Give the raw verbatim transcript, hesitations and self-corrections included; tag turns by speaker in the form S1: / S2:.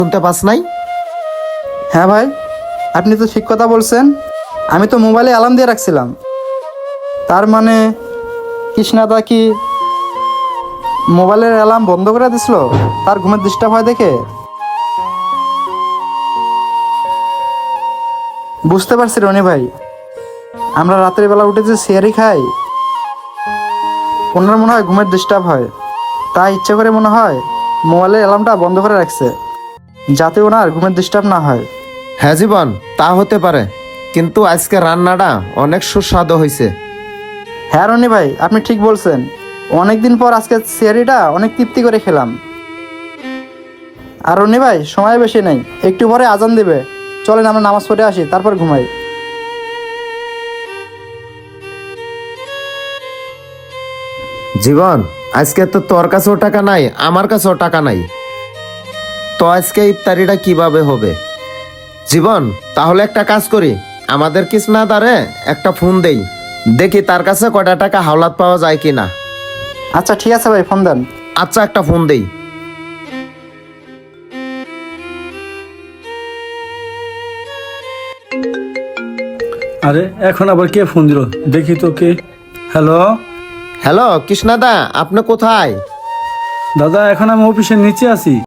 S1: শুনতে পাস নাই?
S2: হ্যাঁ ভাই, আপনি তো ঠিক কথা বলছেন। আমি তো মোবাইলে অ্যালার্ম দিয়ে রাখছিলাম। তার মানে কৃষ্ণাদা কি মোবাইলের অ্যালার্ম বন্ধ করে দিছিল তার ঘুমের ডিস্টার্ব হয় দেখে? বুঝতে পারছি রনি ভাই, আমরা রাতের বেলা উঠে যে সিয়ারি খাই, ওনার মনে হয় ঘুমের ডিস্টার্ব হয়, তাই ইচ্ছে করে মনে হয় মোবাইলের অ্যালার্মটা বন্ধ করে রাখছে, যাতে ওনার ঘুমের ডিস্টার্ব না হয়।
S1: হ্যাঁ জীবন, তা হতে পারে, কিন্তু আজকে রান্নাটা অনেক সুস্বাদু হয়েছে।
S2: হ্যাঁ রনি ভাই, আপনি ঠিক বলছেন। অনেকদিন পর আজকে সিয়ারিটা অনেক তৃপ্তি করে খেলাম। আর রনি ভাই, সময় বেশি নেই, একটু পরে আজান দিবে, চলেন আমরা নামাজ পড়ে আসি, তারপর ঘুমাই।
S1: জীবন, আজকে তো তোর কাছেও টাকা নাই, আমার কাছেও টাকা নাই, তো আজকে ইফতারিটা কিভাবে হবে? জীবন, তাহলে একটা কাজ করি, আমাদের কৃষ্ণাদারে একটা ফোন দেই, দেখি তার কাছে কয়টা টাকা হাওলাত পাওয়া যায় কিনা।
S2: আচ্ছা ঠিক আছে ভাই, ফোন দেন।
S1: আচ্ছা, একটা ফোন দেই।
S3: আরে এখন আবার কে ফোন দিল, দেখি তো কে। হ্যালো
S1: হ্যালো কৃষ্ণাদা, আপনি কোথায়?
S3: দাদা, এখন আমি অফিসের নিচে আছি।